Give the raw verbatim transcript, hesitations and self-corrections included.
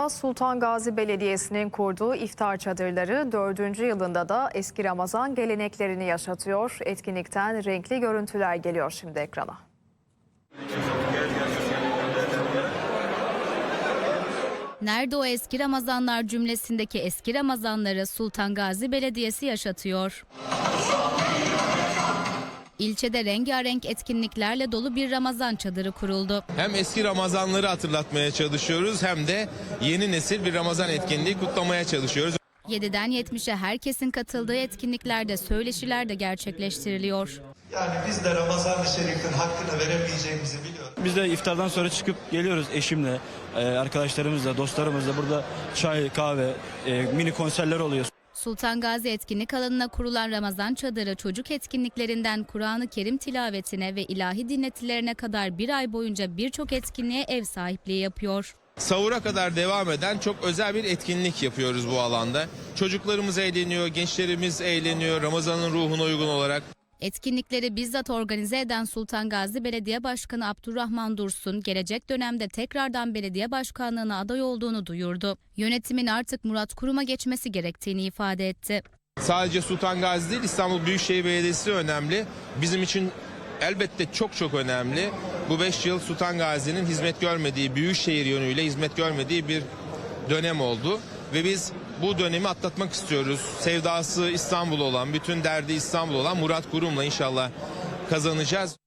Ankara Sultan Gazi Belediyesi'nin kurduğu iftar çadırları dördüncü yılında da eski Ramazan geleneklerini yaşatıyor. Etkinlikten renkli görüntüler geliyor şimdi ekrana. Nerede o eski Ramazanlar cümlesindeki eski Ramazanları Sultan Gazi Belediyesi yaşatıyor. İlçede rengarenk etkinliklerle dolu bir Ramazan çadırı kuruldu. Hem eski Ramazanları hatırlatmaya çalışıyoruz hem de yeni nesil bir Ramazan etkinliği kutlamaya çalışıyoruz. yediden yetmişe herkesin katıldığı etkinliklerde söyleşiler de gerçekleştiriliyor. Yani biz de Ramazan-ı Şerif'in hakkını veremeyeceğimizi biliyoruz. Biz de iftardan sonra çıkıp geliyoruz eşimle, arkadaşlarımızla, dostlarımızla. Burada çay, kahve, mini konserler oluyor. Sultan Gazi etkinlik alanına kurulan Ramazan çadırı çocuk etkinliklerinden Kur'an-ı Kerim tilavetine ve ilahi dinletilerine kadar bir ay boyunca birçok etkinliğe ev sahipliği yapıyor. Sahura kadar devam eden çok özel bir etkinlik yapıyoruz bu alanda. Çocuklarımız eğleniyor, gençlerimiz eğleniyor Ramazan'ın ruhuna uygun olarak. Etkinlikleri bizzat organize eden Sultan Gazi Belediye Başkanı Abdurrahman Dursun, gelecek dönemde tekrardan belediye başkanlığına aday olduğunu duyurdu. Yönetimin artık Murat Kurum'a geçmesi gerektiğini ifade etti. Sadece Sultan Gazi değil, İstanbul Büyükşehir Belediyesi önemli. Bizim için elbette çok çok önemli. Bu beş yıl Sultan Gazi'nin hizmet görmediği, Büyükşehir yönüyle hizmet görmediği bir dönem oldu. Ve biz bu dönemi atlatmak istiyoruz. Sevdası İstanbul olan, bütün derdi İstanbul olan Murat Kurum'la inşallah kazanacağız.